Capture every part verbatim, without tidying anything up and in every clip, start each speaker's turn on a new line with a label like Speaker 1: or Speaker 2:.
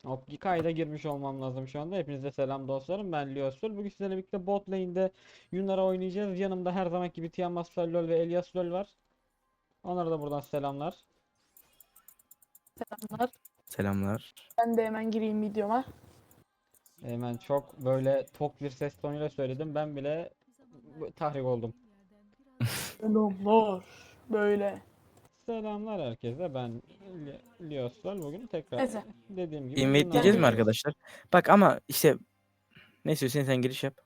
Speaker 1: Hop iki ayda girmiş olmam lazım şu anda. Hepinize selam dostlarım. Ben Liosur. Bugün sizlerle birlikte bot lane'de Yunara oynayacağız. Yanımda her zamanki gibi Tiamat LoL ve Elias LoL var. Onlara da buradan selamlar.
Speaker 2: Selamlar.
Speaker 3: Selamlar.
Speaker 2: Ben de hemen gireyim videoma.
Speaker 1: Hemen çok böyle tok bir ses tonuyla söyledim. Ben bile tahrik oldum.
Speaker 2: Selamlar. Böyle.
Speaker 1: Selamlar herkese. Ben Li- Lios LoL. Bugün tekrar
Speaker 2: Neyse.
Speaker 1: dediğim gibi
Speaker 3: Invite
Speaker 1: Yunara
Speaker 3: diyeceğiz mi
Speaker 1: oynayacağız.
Speaker 3: arkadaşlar? Bak ama işte neyse Hüseyin sen giriş yap.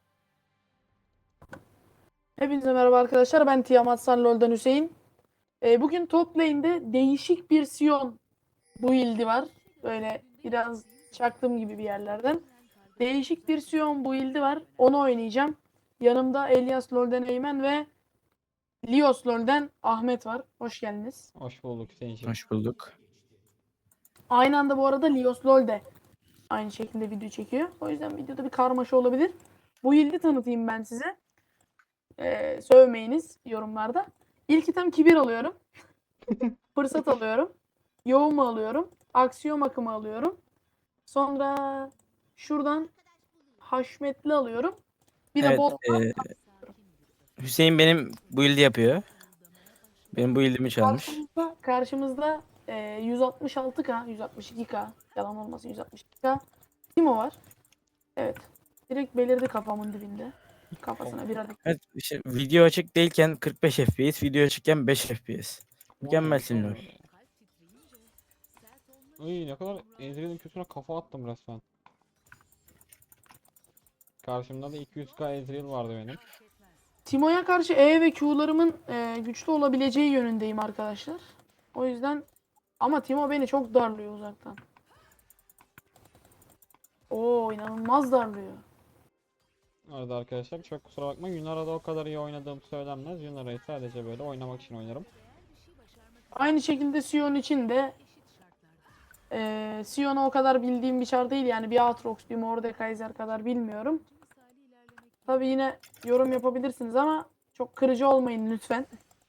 Speaker 2: Hepinize merhaba arkadaşlar. Ben Tiamat LoL'dan Hüseyin. Ee, bugün top lane'de değişik bir Sion build'i var. Böyle biraz çaktığım gibi bir yerlerden. Değişik bir Sion build'i var. Onu oynayacağım. Yanımda Elias LoL'den Eymen ve Lios LoL'den Ahmet var. Hoş geldiniz.
Speaker 1: Hoş bulduk Hüseyin'cim.
Speaker 3: Hoş bulduk.
Speaker 2: Aynı anda bu arada Lios LoL de aynı şekilde video çekiyor. O yüzden videoda bir karmaşa olabilir. Bu build'i tanıtayım ben size. Ee, sövmeyiniz yorumlarda. İlk item kibir alıyorum. Fırsat alıyorum. Yoğuma alıyorum. Aksiyon akımı alıyorum. Sonra şuradan haşmetli alıyorum. Bir de
Speaker 3: Evet,
Speaker 2: bottan
Speaker 3: e, Hüseyin benim build'i yapıyor. Benim build'imi çalmış.
Speaker 2: karşımızda, karşımızda e, yüz altmış altı K, yüz altmış iki K, yalan olmasın yüz altmış iki K Timo var. Evet. Direkt belirdi kafamın dibinde. Kafasına bir adet.
Speaker 3: Evet, işte video açık değilken kırk beş F P S, video açıkken beş F P S.
Speaker 1: Bu neymiş
Speaker 3: Mükemmelsin
Speaker 1: oğlum
Speaker 3: LoL.
Speaker 1: öyle ya? Uy ne kadar Ezreal'in kötüne kafa attım resmen. Karşımda da iki yüz K Ezreal vardı benim.
Speaker 2: Timo'ya karşı E ve Q'larımın e, güçlü olabileceği yönündeyim arkadaşlar. O yüzden ama Timo beni çok darlıyor uzaktan. Oo inanılmaz darlıyor.
Speaker 1: Arada arkadaşlar çok kusura bakmayın. Yunara'da o kadar iyi oynadığım söylenmez. Yunara'yı sadece böyle oynamak için oynarım.
Speaker 2: Aynı şekilde Sion için de e, Sion'u o kadar bildiğim bir çar değil. Yani bir Aatrox, bir Mordekaiser kadar bilmiyorum. Tabi yine yorum yapabilirsiniz ama çok kırıcı olmayın lütfen.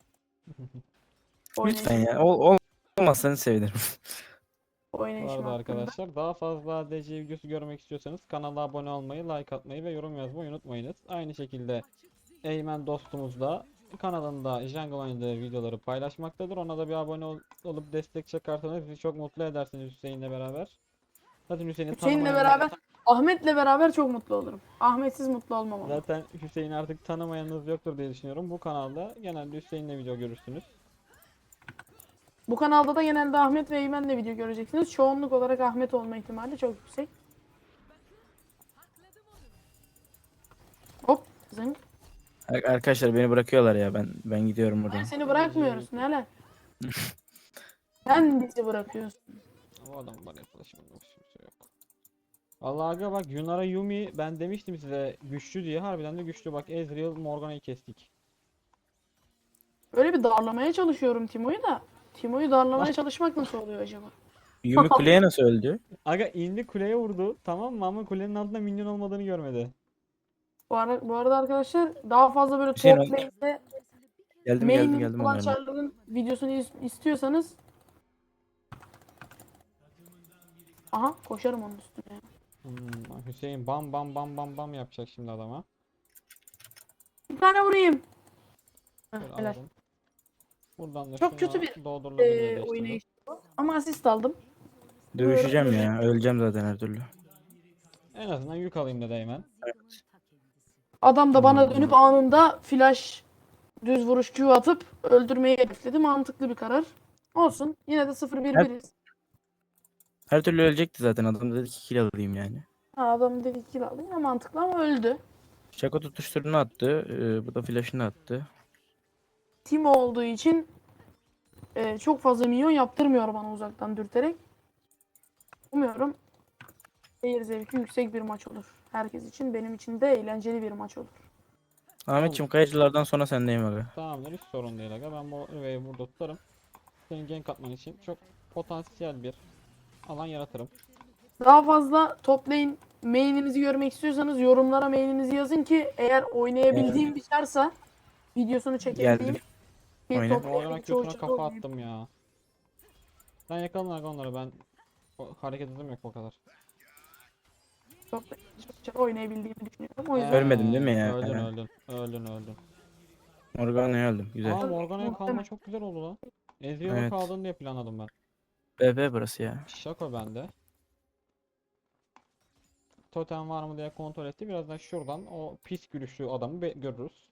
Speaker 3: Lütfen
Speaker 2: Oynayışım,
Speaker 3: ya. Ol, olmazsanız sevinirim.
Speaker 1: Bu
Speaker 2: oynayışım
Speaker 1: arada
Speaker 2: hakkında.
Speaker 1: arkadaşlar daha fazla A D C videosu görmek istiyorsanız kanala abone olmayı, like atmayı ve yorum yazmayı unutmayınız. Aynı şekilde Eymen dostumuz da kanalında Jungle oynadığı videoları paylaşmaktadır. Ona da bir abone ol- olup destek çıkarsanız bizi çok mutlu edersiniz Hüseyin'le beraber. Zaten Hüseyin'i
Speaker 2: Hüseyin'le
Speaker 1: tanımayanlar
Speaker 2: beraber, Ahmet'le beraber çok mutlu olurum. Ahmet'siz mutlu olmam ama.
Speaker 1: zaten Hüseyin'i artık tanımayanınız yoktur diye düşünüyorum. Bu kanalda genelde Hüseyin'le video görürsünüz.
Speaker 2: Bu kanalda da genelde Ahmet ve Eymen'le video göreceksiniz. Çoğunluk olarak Ahmet olma ihtimali çok yüksek. Hop zınk.
Speaker 3: Ar- Arkadaşlar beni bırakıyorlar ya. Ben ben gidiyorum buradan.
Speaker 2: Seni bırakmıyoruz neler. Sen bizi bırakıyorsun.
Speaker 1: O adam bana yaklaşımında kimse yok. Vallahi aga bak Yunara Yumi ben demiştim size güçlü diye harbiden de güçlü bak Ezreal Morgana'yı kestik.
Speaker 2: Böyle bir darlamaya çalışıyorum Timo'yu da. Timo'yu darlamaya çalışmak nasıl oluyor acaba?
Speaker 3: Yumi kuleye nasıl öldü?
Speaker 1: Aga indi kuleye vurdu tamam mı ama kulenin altında minyon olmadığını görmedi.
Speaker 2: Bu, ara, bu arada arkadaşlar daha fazla böyle
Speaker 3: Hüseyin
Speaker 2: top
Speaker 3: ol-
Speaker 2: lane'de
Speaker 3: Geldim geldim
Speaker 2: main
Speaker 3: geldim
Speaker 2: olan
Speaker 3: onlarla.
Speaker 2: çarların videosunu is- istiyorsanız aha koşarım onun üstüne.
Speaker 1: Hmm, Hüseyin bam bam bam bam bam yapacak şimdi adama.
Speaker 2: Bir tane vurayım. Heh,
Speaker 1: Şöyle
Speaker 2: helal.
Speaker 1: alalım. Buradan da
Speaker 2: Çok
Speaker 1: şuna
Speaker 2: kötü bir
Speaker 1: doldurulabilir
Speaker 2: e,
Speaker 1: işte bu.
Speaker 2: oynayış bu. Ama asist aldım.
Speaker 3: Dövüşeceğim ya. Öleceğim zaten her türlü.
Speaker 1: En azından yük alayım dedi hemen.
Speaker 2: Adam da bana
Speaker 3: Hmm.
Speaker 2: dönüp anında flash düz vuruş Q atıp öldürmeyi hedefledi. Mantıklı bir karar. Olsun. Yine de sıfır bir
Speaker 3: Her-
Speaker 2: biriz.
Speaker 3: Her türlü ölecekti zaten. Adam dedi ki kill alayım yani.
Speaker 2: Ha, adam dedi kill aldı. Yine mantıklı ama öldü.
Speaker 3: Şako tutuşturunu attı. Ee, bu da flash'ını attı.
Speaker 2: Timo olduğu için e, çok fazla minyon yaptırmıyor bana uzaktan dürterek. Umuyorum seyir zevki yüksek bir maç olur. Herkes için, benim için de eğlenceli bir maç olur.
Speaker 3: Ahmetciğim kayıcılardan sonra sendeyim abi.
Speaker 1: Tamamdır hiç sorun değil aga ben bu üveyi burada tutarım. Senin gank atman için çok potansiyel bir alan yaratırım.
Speaker 2: Daha fazla top lane main'inizi görmek istiyorsanız yorumlara main'inizi yazın ki eğer oynayabildiğim bir çarsa videosunu çekebileyim.
Speaker 3: Geldim.
Speaker 2: Bir
Speaker 3: Oyna.
Speaker 2: top
Speaker 1: Morgana
Speaker 2: lane'in çoğu
Speaker 1: kötüne
Speaker 2: çarı
Speaker 1: kafa
Speaker 2: oynayayım.
Speaker 1: attım ya. Sen yakalan aga onları ben o- hareket hızım yok o kadar.
Speaker 2: Çok da çok oynayabildiğimi düşünüyorum. O yüzden
Speaker 3: Ölmedim değil mi
Speaker 1: Ee,
Speaker 3: ya?
Speaker 1: Öldün öldün. Öldün öldün.
Speaker 3: Morgana'ya öldüm. Güzel.
Speaker 1: Aa, Morgana'ya kalma
Speaker 2: Muhtemelen.
Speaker 1: çok güzel oldu lan. Ezreal'a
Speaker 3: Evet.
Speaker 1: kaldın diye planladım ben.
Speaker 3: B B burası ya.
Speaker 1: Şako bende. Totem var mı diye kontrol etti. Birazdan şuradan o pis gülüşlü adamı be- görürüz.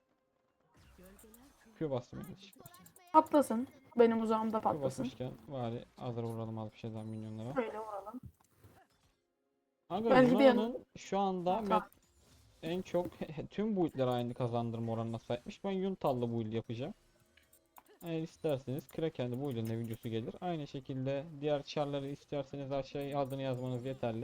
Speaker 1: Q bastım yine.
Speaker 2: patlasın. Benim uzağımda
Speaker 1: Q
Speaker 2: patlasın.
Speaker 1: basmışken bari hazır vuralım az bir şeyden minyonlara.
Speaker 2: Böyle vuralım.
Speaker 1: Aga
Speaker 2: Belki de
Speaker 1: Yunan'ın şu anda
Speaker 2: Tamam.
Speaker 1: met en çok tüm build'ler aynı kazandırma oranına sahipmiş. Ben Yuntal'lı build yapacağım. Eğer isterseniz Kraken'de build'in de videosu gelir. Aynı şekilde diğer char'ları isterseniz aşağıya adını yazmanız yeterli.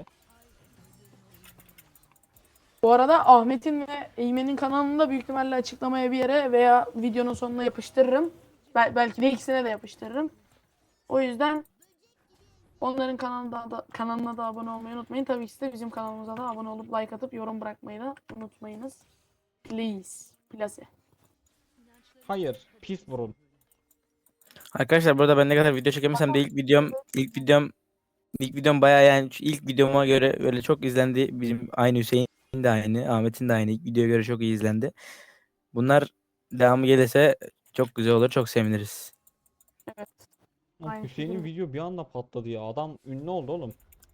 Speaker 2: Bu arada Ahmet'in ve Eymen'in kanalında büyük ihtimalle açıklamaya bir yere veya videonun sonuna yapıştırırım. Bel- belki de ikisine de yapıştırırım. O yüzden onların kanalına da, kanalına da abone olmayı unutmayın. Tabii ki de bizim kanalımıza da abone olup like atıp yorum bırakmayı da unutmayınız. Please. Please.
Speaker 1: Hayır, pis burun.
Speaker 3: Arkadaşlar burada ben ne kadar video çekemesem de ilk videom ilk videom ilk videom bayağı yani şu ilk videoma göre böyle çok izlendi. Bizim aynı Hüseyin de aynı, Ahmet'in de aynı. İlk videoya göre çok iyi izlendi. Bunlar devamı gelirse çok güzel olur. Çok seviniriz.
Speaker 2: Evet.
Speaker 1: Lan
Speaker 2: Aynı
Speaker 1: Hüseyin'in
Speaker 2: şekilde.
Speaker 1: video bir anda patladı ya. Adam ünlü oldu oğlum.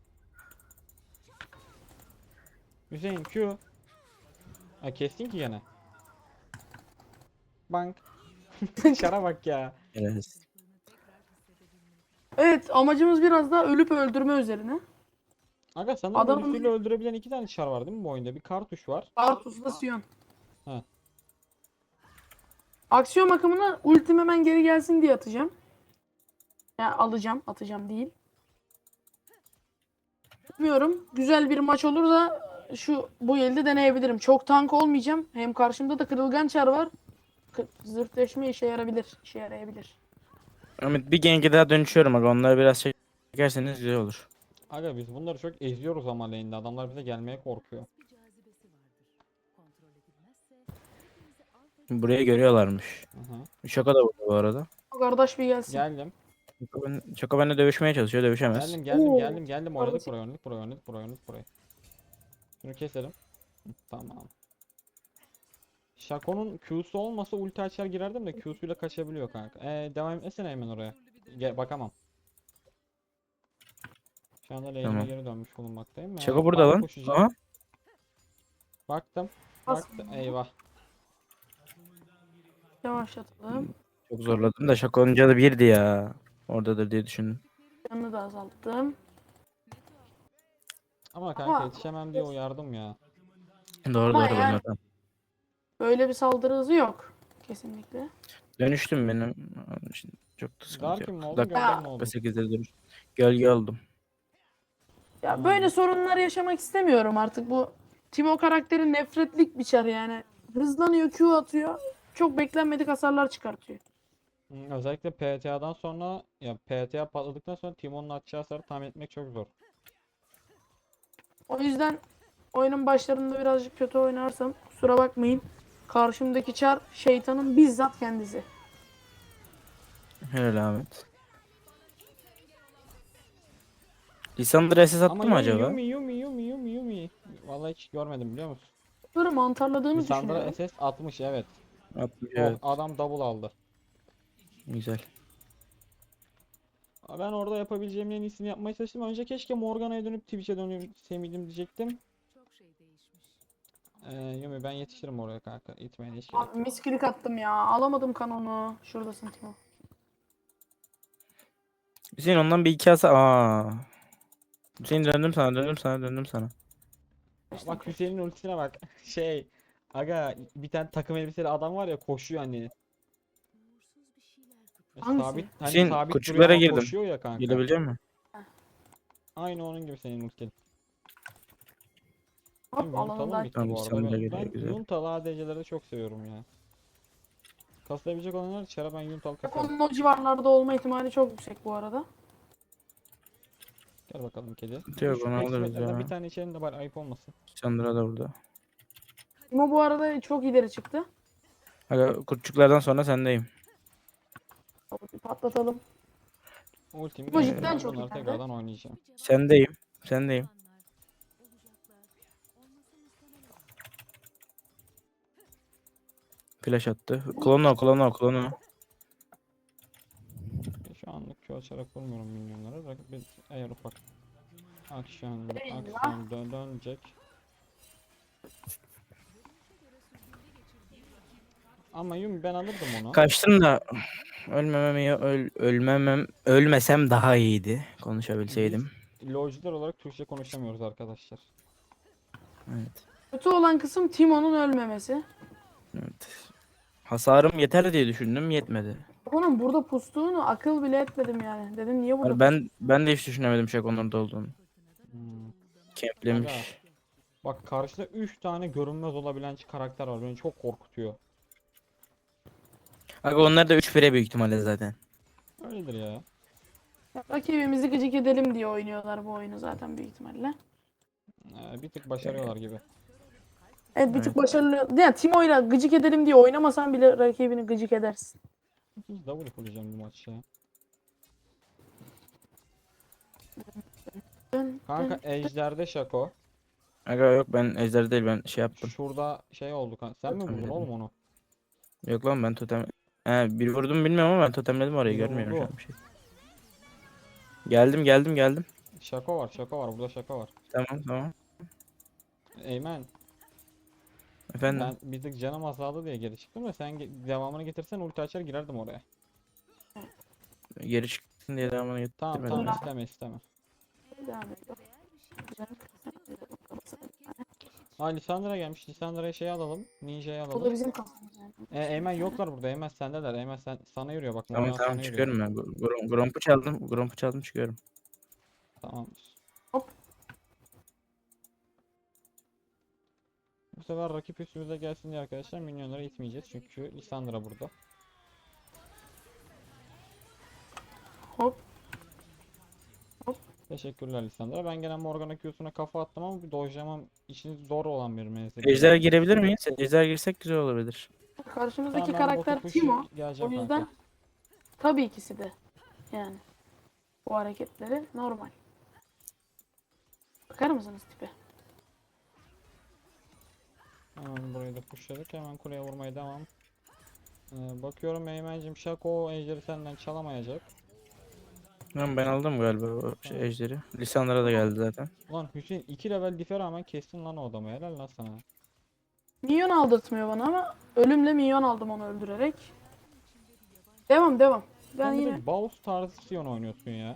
Speaker 1: Hüseyin Q. Ha kestin ki gene. Bank. Şara bak ya.
Speaker 3: Evet.
Speaker 2: Evet, amacımız biraz da ölüp öldürme üzerine.
Speaker 1: Aga sanırım
Speaker 2: Adamın-
Speaker 1: ölüsüyle öldürebilen iki tane çar var değil mi bu oyunda? Bir kartuş var.
Speaker 2: Artus'la Sion.
Speaker 1: Ha.
Speaker 2: Aksiyon akımına ultim hemen geri gelsin diye atacağım. Yani alacağım, atacağım değil. Bilmiyorum. Güzel bir maç olur da şu bu elde deneyebilirim. Çok tank olmayacağım. Hem karşımda da kırılgan çar var. Kı- Zırtleşme işe yarabilir. İşe yarayabilir.
Speaker 3: Ahmet bir genge daha dönüşüyorum aga. Onları biraz çekerseniz güzel olur.
Speaker 1: Aga biz bunları çok eziyoruz ama lane'de. Adamlar bize gelmeye korkuyor.
Speaker 3: Burayı görüyorlarmış.
Speaker 1: Hı hı.
Speaker 3: Şaka da burada bu arada.
Speaker 2: Kardeş bir gelsin.
Speaker 1: Geldim.
Speaker 3: Şaka, ben, Şaka benimle dövüşmeye çalışıyor. Dövüşemez.
Speaker 1: Geldim geldim
Speaker 2: Oo,
Speaker 1: geldim geldim. Oynadık
Speaker 2: kardeşim.
Speaker 1: buraya oynadık buraya oynadık buraya oynadık buraya. Şunu keselim. Hı, tamam. Shaco'nun Q'su olmasa ulti açar girerdim de Q'suyla kaçabiliyor kanka. Ee, devam etmesene hemen oraya. Gel, bakamam. Şu anda lane'ime
Speaker 3: Tamam.
Speaker 1: geri dönmüş bulunmaktayım. Ee,
Speaker 3: Şaka burada
Speaker 1: bana
Speaker 3: lan.
Speaker 1: koşacağım.
Speaker 3: Aha.
Speaker 1: Baktım.
Speaker 2: Bas.
Speaker 1: Baktım. Eyvah.
Speaker 2: Yavaşlatalım.
Speaker 3: Çok zorladım da Şaka onun canı birdi ya. Oradadır diye düşündüm.
Speaker 2: Yanını da azalttım.
Speaker 1: Ama kanka
Speaker 2: Ama-
Speaker 1: yetişemem diye uyardım ya.
Speaker 3: Doğru
Speaker 2: Ama
Speaker 3: doğru
Speaker 2: yani-
Speaker 3: bunlardan.
Speaker 2: Böyle bir saldırı hızı yok. Kesinlikle.
Speaker 3: Dönüştüm benim. Onun için çok da sıkıntı
Speaker 1: Darkin mi
Speaker 3: yok.
Speaker 1: oldun
Speaker 3: Dakika
Speaker 1: gölgen mi oldun?
Speaker 3: sekizde dönüş. Gölge oldum.
Speaker 2: Ya
Speaker 1: Hmm.
Speaker 2: böyle sorunlar yaşamak istemiyorum artık. Bu Timo karakteri nefretlik bir çar yani. Hızlanıyor, Q atıyor. Çok beklenmedik hasarlar çıkartıyor.
Speaker 1: Hmm, özellikle P T A'dan sonra ya P T A patladıktan sonra Timon'un atacağı hasarı tahmin etmek çok zor.
Speaker 2: O yüzden oyunun başlarında birazcık kötü oynarsam kusura bakmayın. Karşımdaki çar şeytanın bizzat kendisi.
Speaker 3: Helal Ahmet. Lisandra S S attı
Speaker 1: Ama
Speaker 3: mı
Speaker 1: Yumi,
Speaker 3: acaba?
Speaker 1: Yumi Yumi Yumi Yumi Yumi. Vallahi hiç görmedim biliyor musun?
Speaker 2: Bunları mantarladığını
Speaker 1: Lisandra
Speaker 2: düşünüyorum.
Speaker 1: S S atmış evet.
Speaker 3: Atmış
Speaker 1: Oh
Speaker 3: evet.
Speaker 1: adam double aldı.
Speaker 3: Güzel.
Speaker 1: Aa, ben orada yapabileceğimin en iyisini yapmaya çalıştım. Önce keşke Morgana'ya dönüp Twitch'e dönüp sevmedim diyecektim. Ee, Yumi ben yetişirim oraya kanka. İtmeye hiç gerek
Speaker 2: Abi miskilik attım ya. Alamadım kanonu. Şuradasın Timo.
Speaker 3: Hüseyin ondan bir iki asa. Aa. Hüseyin döndüm sana döndüm sana döndüm sana.
Speaker 1: yok. Bak Hüseyin'in ultisine bak. Şey. Aga bir tane takım elbiseli adam var ya koşuyor hani.
Speaker 2: Hangisi?
Speaker 1: Sabit hani
Speaker 3: Hüseyin,
Speaker 1: sabit duruyor
Speaker 3: küçüklere
Speaker 1: ama
Speaker 3: girdim.
Speaker 1: koşuyor ya kanka.
Speaker 3: Gelebilecek misin?
Speaker 1: Aynı onun gibi senin ultin.
Speaker 2: Hop
Speaker 1: Yuntalı
Speaker 2: alanından.
Speaker 1: bitti
Speaker 3: Tamam,
Speaker 1: bu arada.
Speaker 3: sen de
Speaker 1: Ben,
Speaker 3: geliyor,
Speaker 1: ben
Speaker 3: güzel.
Speaker 1: Yuntalı A D C'leri de çok seviyorum ya. Kaslayabilecek olanlar çara ben Yuntalı kasarım.
Speaker 2: Onun o civarlarda olma ihtimali çok yüksek bu arada.
Speaker 1: Gel bakalım kedi.
Speaker 3: Yok,
Speaker 1: Şu
Speaker 3: onu alırız
Speaker 1: eksimetlerden
Speaker 3: ya.
Speaker 1: bir tane içelim de bari ayıp olmasın.
Speaker 3: Lisandra da burada.
Speaker 2: Timo bu arada çok ileri çıktı.
Speaker 3: Aga kurtçuklardan sonra sendeyim.
Speaker 2: Patlatalım.
Speaker 1: Ultimi
Speaker 2: Bu
Speaker 1: geldi.
Speaker 2: cidden
Speaker 1: Ben
Speaker 2: çok
Speaker 1: bunları
Speaker 2: iyi kanka.
Speaker 1: tekrardan oynayacağım.
Speaker 3: Sendeyim. Sendeyim. Flash attı. Klonu klonu klonu.
Speaker 1: Şu anlık Q açarak vurmuyorum minyonlara. Rakip bir eğer ufak aksiyon,
Speaker 2: Eyvah.
Speaker 1: aksiyon dön dönecek. Ama Yumi ben alırdım onu.
Speaker 3: Kaçtım da ölmemem iyi, öl, ölmemem ölmesem daha iyiydi konuşabilseydim.
Speaker 1: Biz LoL'cular olarak Türkçe konuşamıyoruz arkadaşlar.
Speaker 3: Evet.
Speaker 2: Kötü olan kısım Timo'nun ölmemesi.
Speaker 3: Evet. Hasarım yeter diye düşündüm, yetmedi.
Speaker 2: Onun burada pustuğunu akıl bile etmedim yani. Dedim niye burada
Speaker 3: Ben ben de hiç düşünemedim şey onlarda olduğunu.
Speaker 1: Hmm. Aga,
Speaker 3: Kemplemiş.
Speaker 1: bak karşıda üç tane görünmez olabilen karakter var. Beni çok korkutuyor.
Speaker 3: Aga onlar da üç bire büyük ihtimalle zaten.
Speaker 1: Öyledir ya.
Speaker 2: Rakibimizi gıcık edelim diye oynuyorlar bu oyunu zaten büyük ihtimalle.
Speaker 1: Ee, bir tık başarıyorlar gibi.
Speaker 2: Evet bir tık
Speaker 3: Evet.
Speaker 2: başarılı. Yani Timo'yla gıcık edelim diye oynamasan bile rakibini gıcık edersin.
Speaker 1: İkinci double fullayacağım bu maç ya.
Speaker 2: Dön,
Speaker 1: Kanka
Speaker 2: dön.
Speaker 1: Ejder'de Şako.
Speaker 3: Aga yok ben ejder değil ben şey yaptım.
Speaker 1: Şurada şey oldu kanka. Sen mi vurdun
Speaker 3: Totemledim.
Speaker 1: oğlum onu?
Speaker 3: Yok lan ben totem... He bir vurdum bilmiyorum ama ben totemledim orayı
Speaker 1: Biri
Speaker 3: görmüyorum şu
Speaker 1: vurdu.
Speaker 3: an bir şey. Geldim geldim geldim.
Speaker 1: Şako var, Şako var. Burada Şako var.
Speaker 3: Tamam tamam.
Speaker 1: Eymen,
Speaker 3: Efendim.
Speaker 1: ben bir tık canım azaldı diye geri çıktım da sen ge- devamını getirsen ulti açar girerdim oraya.
Speaker 3: Geri çıktın diye devamını
Speaker 1: Tamam
Speaker 3: getirmedim.
Speaker 1: tamam
Speaker 2: Ulan.
Speaker 1: isteme isteme.
Speaker 2: Devam ediyor.
Speaker 1: Aa Lisandra gelmiş. Lisandra'ya şey alalım. Ninja'yı
Speaker 2: O da
Speaker 1: alalım.
Speaker 2: bizim kafamız yani.
Speaker 1: E, Eymen yoklar burada. Eymen sendeler. Eymen sen sana yürüyor bak.
Speaker 3: Tamam
Speaker 1: Morgan
Speaker 3: tamam
Speaker 1: sana yürüyor.
Speaker 3: çıkıyorum ben. Grom, Gromp'u çaldım. Gromp'u çaldım çıkıyorum.
Speaker 1: Tamamdır.
Speaker 2: Hop.
Speaker 1: Bu sefer rakip üstümüze gelsin diye arkadaşlar minyonları itmeyeceğiz. Çünkü Lisandra burada.
Speaker 2: Hop.
Speaker 1: Teşekkürler Lisandra. Ben gelen Morgana Q'suna kafa attım ama bir dojlamam için zor olan bir menzil.
Speaker 3: Ejder girebilir miyiz? Ejder girsek güzel olabilir.
Speaker 2: Karşımızdaki
Speaker 1: Tamam, ben botu
Speaker 2: karakter
Speaker 1: pushlayıp
Speaker 2: Timo. O
Speaker 1: geleceğim
Speaker 2: yüzden
Speaker 1: kanka.
Speaker 2: tabii ikisi de yani bu hareketleri normal. Bakar mısınız tipe?
Speaker 1: Hemen burayı da pushladık. Hemen kuleye vurmaya devam. Ee, bakıyorum Eymen'cim Şako o ejderi senden çalamayacak.
Speaker 3: Tamam ben aldım galiba o şey
Speaker 1: Tamam.
Speaker 3: ejderi. Lisandra da geldi zaten.
Speaker 1: Ulan Hüseyin iki level dife rağmen kestin lan o adamı. Helal lan sana.
Speaker 2: Minyon aldırtmıyor bana ama ölümle minyon aldım onu öldürerek. Devam devam. Ben
Speaker 1: Sen bir
Speaker 2: yine
Speaker 1: de Baus tarzı Sion oynuyorsun ya.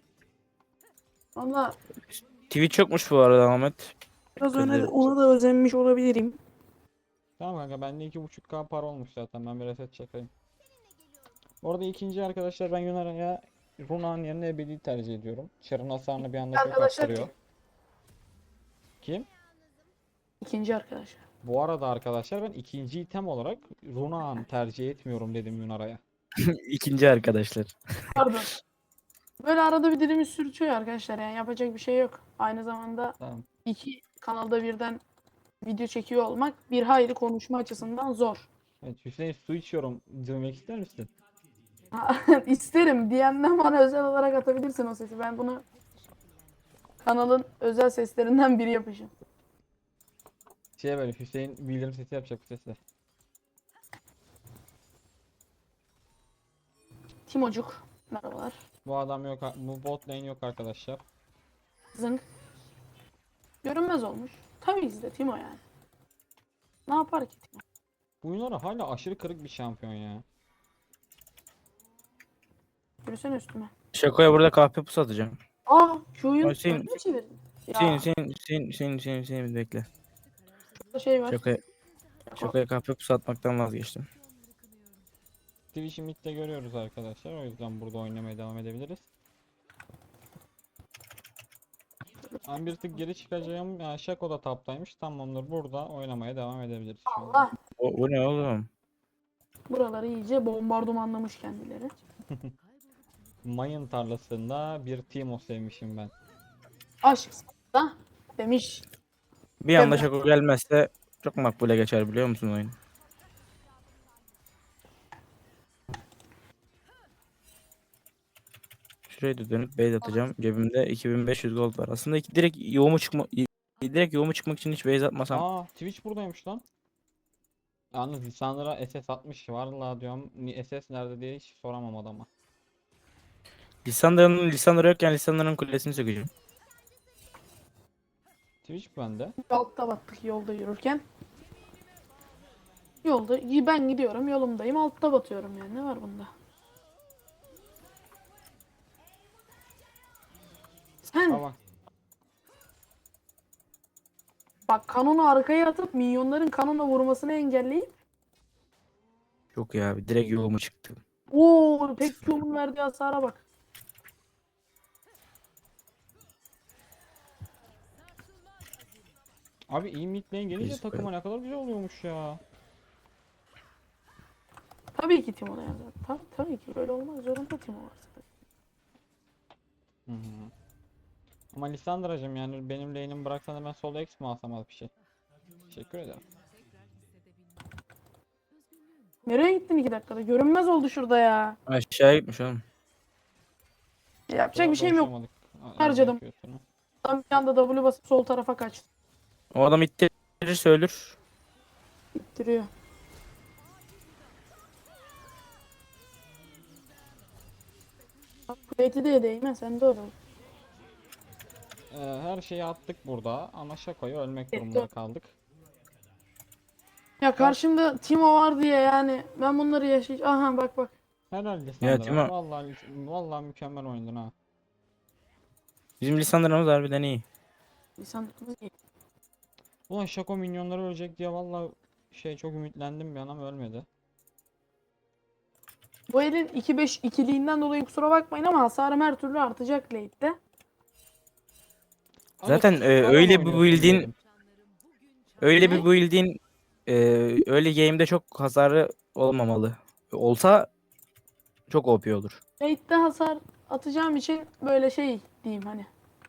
Speaker 2: valla
Speaker 3: Twitch yokmuş bu arada Ahmet.
Speaker 2: biraz
Speaker 3: Dikkat
Speaker 2: öne,
Speaker 3: edelim.
Speaker 2: ona da özenmiş olabilirim.
Speaker 1: Tamam kanka bende iki buçuk K para olmuş zaten. Ben bir reset çekeyim. Orada ikinci arkadaşlar ben Yunar'a Runa'nın yerine Ebedi'yi tercih ediyorum. Çarın hasarını bir anda çok
Speaker 2: Arkadaşlar
Speaker 1: arttırıyor.
Speaker 2: kim?
Speaker 1: Kim?
Speaker 2: İkinci arkadaşlar.
Speaker 1: Bu arada arkadaşlar ben ikinci item olarak Runa'nı tercih etmiyorum dedim Yunar'a.
Speaker 3: İkinci arkadaşlar.
Speaker 2: Pardon. Böyle arada bir dilimiz sürçüyor arkadaşlar yani yapacak bir şey yok. Aynı zamanda
Speaker 1: Tamam.
Speaker 2: iki kanalda birden video çekiyor olmak bir hayli konuşma açısından zor.
Speaker 1: Evet Hüseyin su içiyorum demek ister misin?
Speaker 2: İsterim diyenden bana özel olarak atabilirsin o sesi. Ben bunu kanalın özel seslerinden biri yapacağım.
Speaker 1: Şey böyle Hüseyin bildirim sesi yapacak bu sesle.
Speaker 2: Timocuk. Merhabalar.
Speaker 1: Bu adam yok, bu bot lane yok arkadaşlar.
Speaker 2: Zınk. Görünmez olmuş. Tabii ki de Timo yani. Ne yapar ki Timo?
Speaker 1: Bu Yunar'a hala aşırı kırık bir şampiyon ya.
Speaker 2: Yürüsene üstüme.
Speaker 3: Şako'ya burada kahpe pusu atacağım.
Speaker 2: Aa şu oyun
Speaker 3: Hüseyin-
Speaker 2: önüne çevirdin.
Speaker 3: Hüseyin
Speaker 2: Ya
Speaker 3: Hüseyin Hüseyin Hüseyin Hüseyin Hüseyin bir bekle.
Speaker 2: burada şey var.
Speaker 3: Şako'ya Şako'ya kahpe pusu atmaktan vazgeçtim.
Speaker 1: Twitch'i mid'de görüyoruz arkadaşlar. O yüzden burada oynamaya devam edebiliriz. Ben bir tık geri çıkacağım. Yani Shaco da taptaymış. Tamamdır. Burada oynamaya devam edebiliriz şu an.
Speaker 2: Allah.
Speaker 3: O, bu ne oğlum?
Speaker 2: Buraları iyice bombardımanlamış kendileri.
Speaker 1: Mayın tarlasında bir Teemo sevmişim ben.
Speaker 2: Aşk da demiş.
Speaker 3: Bir anda
Speaker 2: Evet.
Speaker 3: Şako gelmezse çok makbule geçer biliyor musun oyun? Şuraya da dönüp base atacağım. Cebimde iki bin beş yüz gold var. Aslında iki, direkt yoğumu çıkma direkt yoğumu çıkmak için hiç base atmasam.
Speaker 1: Aa Twitch buradaymış lan. Yalnız Lissandra'ya S S atmış. Vallahi diyorum ni- S S nerede diye hiç soramam adama.
Speaker 3: Lissandra'nın Lissandra yokken Lissandra'nın kulesini sökeceğim.
Speaker 1: Twitch bende.
Speaker 2: Altta battık yolda yürürken. Yolda ben gidiyorum yolumdayım altta batıyorum yani ne var bunda? Sen
Speaker 1: Ama
Speaker 2: bak kanonu arkaya atıp minyonların kanona vurmasını engelleyip
Speaker 3: Yok ya direkt yoluma çıktım.
Speaker 2: ooo tek Q'nun verdiği hasara bak.
Speaker 1: abi iyi mid lane gelince
Speaker 3: Biz
Speaker 1: takıma ne kadar güzel oluyormuş ya.
Speaker 2: Tabii ki Timo yani. Tabii, tabii ki böyle olmak zorunda Timo varsa.
Speaker 1: Hı hı. Ama Lissandra'cığım yani benim lane'imi bıraksan da ben solo X mi alsam az bir şey. Teşekkür ederim.
Speaker 2: Nereye gittin iki dakikada? Görünmez oldu şurada ya.
Speaker 3: Aşağı gitmiş oğlum.
Speaker 2: Yapacak
Speaker 1: Daha
Speaker 2: bir şeyim yok.
Speaker 1: dolaşamadık. Aa,
Speaker 2: Harcadım.
Speaker 1: yapıyorsun.
Speaker 2: Tam bir anda W basıp sol tarafa kaçtı.
Speaker 3: O adam ittirirse ölür.
Speaker 2: İttiriyor. Plate'i de değme sen de öyle.
Speaker 1: Ee, her şeyi attık burada ama Şako'yu ölmek
Speaker 2: Evet,
Speaker 1: durumunda
Speaker 2: doğru.
Speaker 1: kaldık.
Speaker 2: Ya karşımda Timo var diye yani ben bunları yaşayacağım. Aha bak bak.
Speaker 1: Helal
Speaker 3: Ya
Speaker 1: Lissandra.
Speaker 3: Timo
Speaker 1: Vallahi vallahi mükemmel oynadın ha.
Speaker 3: bizim Lissandra'mız harbiden iyi.
Speaker 2: Lisanımız iyi.
Speaker 1: Ulan Şako minyonları ölecek diye vallahi şey çok ümitlendim bir an ama ölmedi.
Speaker 2: Bu elin iki beş ikiliğinden dolayı kusura bakmayın ama hasarım her türlü artacak late'de.
Speaker 3: Zaten
Speaker 1: Azıcık
Speaker 3: e,
Speaker 1: baron
Speaker 3: öyle bir
Speaker 1: oynuyorsun
Speaker 3: build'in
Speaker 1: diyelim.
Speaker 3: öyle
Speaker 2: Ne?
Speaker 3: bir build'in e, öyle game'de çok hasarı olmamalı. Olsa çok O P olur.
Speaker 2: Late'de hasar atacağım için böyle şey diyeyim hani.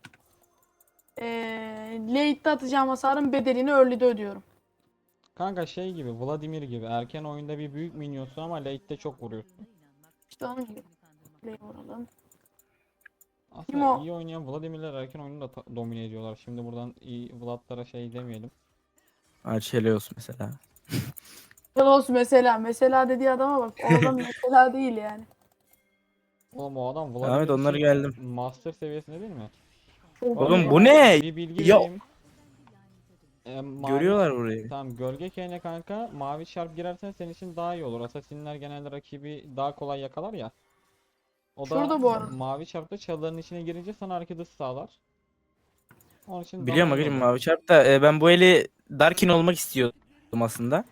Speaker 2: Ee, late'de atacağım hasarın bedelini early'de ödüyorum.
Speaker 1: Kanka şey gibi Vladimir gibi erken oyunda bir büyük minyonsun ama late'de çok vuruyorsun.
Speaker 2: İşte onun gibi. Play vuralım.
Speaker 1: Aslında
Speaker 2: Timo.
Speaker 1: iyi oynayan Vladimirler erken oyunu da ta- domine ediyorlar. Şimdi buradan iyi Vladlara şey demeyelim.
Speaker 3: Archelios mesela.
Speaker 2: Pelos mesela. Mesela dediği adama bak. O adam mesela değil yani.
Speaker 1: Oğlum o adam
Speaker 3: Ahmet
Speaker 1: Vladimir
Speaker 3: onları
Speaker 1: için
Speaker 3: geldim.
Speaker 1: master seviyesinde değil mi?
Speaker 2: Çok
Speaker 1: Bu
Speaker 3: Oğlum
Speaker 2: iyi.
Speaker 1: arada
Speaker 3: bu ne?
Speaker 1: bir bilgi
Speaker 3: Ya
Speaker 1: vereyim. Ee, mavi
Speaker 3: görüyorlar burayı.
Speaker 1: tamam gölge kayne kanka mavi çarp girersen senin için daha iyi olur. Asasinler genelde rakibi daha kolay yakalar ya. O da
Speaker 2: Şurada bu arada.
Speaker 1: mavi çarpta çalıların içine girince sana hareket hızı sağlar. Onun için daha
Speaker 3: Biliyorum
Speaker 1: iyi
Speaker 3: bakıcım
Speaker 1: olur.
Speaker 3: mavi çarp da e, ben bu eli Darkin olmak istiyordum aslında.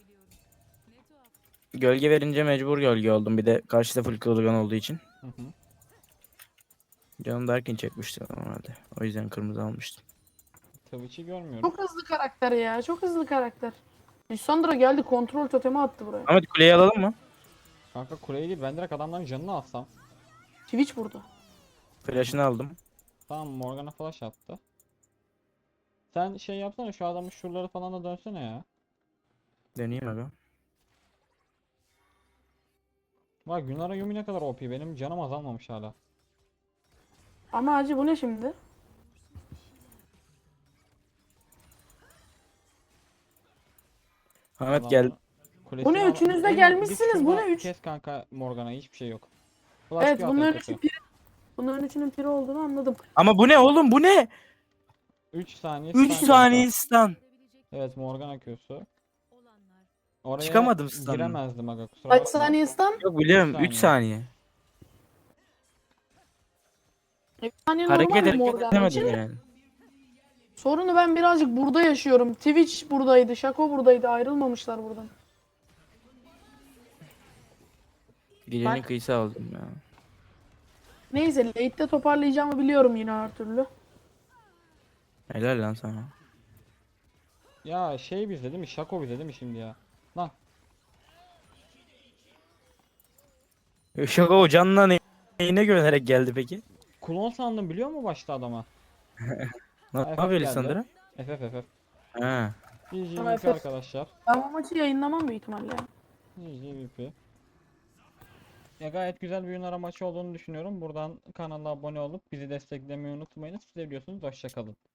Speaker 3: Gölge verince mecbur gölge oldum. Bir de karşıda full kılıgan olduğu için.
Speaker 1: Hı hı.
Speaker 3: Canım Darkin çekmişti normalde. O yüzden kırmızı almıştım.
Speaker 1: Twitch'i görmüyorum.
Speaker 2: Çok hızlı karakter ya. Çok hızlı karakter. Lissandra geldi kontrol totemi attı buraya.
Speaker 3: Ahmet kuleyi alalım mı?
Speaker 1: Kanka kuleyi değil ben direkt adamların canını alsam.
Speaker 2: Twitch burada.
Speaker 3: Flash'ını aldım.
Speaker 1: Tamam Morgana flash attı. Sen şey yapsana şu adamın şuraları falan da dönsene ya.
Speaker 3: Deneyeyim aga.
Speaker 1: Bak Yunara Yumi ne kadar O P benim canım azalmamış hala.
Speaker 2: Ama acı bu ne şimdi?
Speaker 3: Ahmet gel.
Speaker 1: Adamların
Speaker 2: Bu ne
Speaker 1: kulesini al-
Speaker 2: üçünüz de
Speaker 1: Eymen,
Speaker 2: gelmişsiniz.
Speaker 1: git
Speaker 2: Bu
Speaker 1: şurada
Speaker 2: ne üç?
Speaker 1: kes kanka Morgana hiçbir şey yok. Flash
Speaker 2: Evet
Speaker 1: Q at en
Speaker 2: bunların
Speaker 1: kötü.
Speaker 2: üçü piri. Bunların üçünün piri olduğunu anladım.
Speaker 3: Ama bu ne oğlum bu ne?
Speaker 1: üç saniye
Speaker 3: üç
Speaker 1: stun
Speaker 3: saniye
Speaker 1: kanka.
Speaker 3: stun.
Speaker 1: Evet Morgana Q'su. Oraya
Speaker 3: Çıkamadım stun'dan.
Speaker 1: giremezdim aga kusura
Speaker 2: Kaç
Speaker 1: bakma.
Speaker 2: saniye stun?
Speaker 3: Yok biliyorum
Speaker 1: Üç
Speaker 3: üç
Speaker 1: saniye.
Speaker 3: saniye.
Speaker 2: üç saniye
Speaker 3: Hareket
Speaker 2: normal
Speaker 3: hareket
Speaker 2: Morgana için.
Speaker 3: edemedim yani.
Speaker 2: Sorunu ben birazcık burada yaşıyorum. Twitch buradaydı, Shaco buradaydı. Ayrılmamışlar buradan.
Speaker 3: Gecenin
Speaker 2: Bak.
Speaker 3: kıyısı aldım ya.
Speaker 2: Neyse late'de toparlayacağımı biliyorum yine her türlü.
Speaker 3: Helal lan sana.
Speaker 1: Ya şey bizde değil mi? Şako bizde değil mi şimdi ya? Lan
Speaker 3: Şaka o canına ne- neyine güvenerek geldi peki?
Speaker 1: klon sandım biliyor musun başta adama?
Speaker 3: Ne
Speaker 1: F F
Speaker 3: yapıyor
Speaker 1: geldi.
Speaker 3: Lissandra?
Speaker 1: F F F F.
Speaker 3: Ha.
Speaker 1: G G
Speaker 2: Ama
Speaker 1: V P
Speaker 2: F F.
Speaker 1: arkadaşlar.
Speaker 2: Ben bu maçı yayınlamam büyük ihtimalle.
Speaker 1: G G V P. Ya gayet güzel bir Yunara maçı olduğunu düşünüyorum. Buradan kanala abone olup bizi desteklemeyi unutmayın. Siz de biliyorsunuz. Hoşça kalın.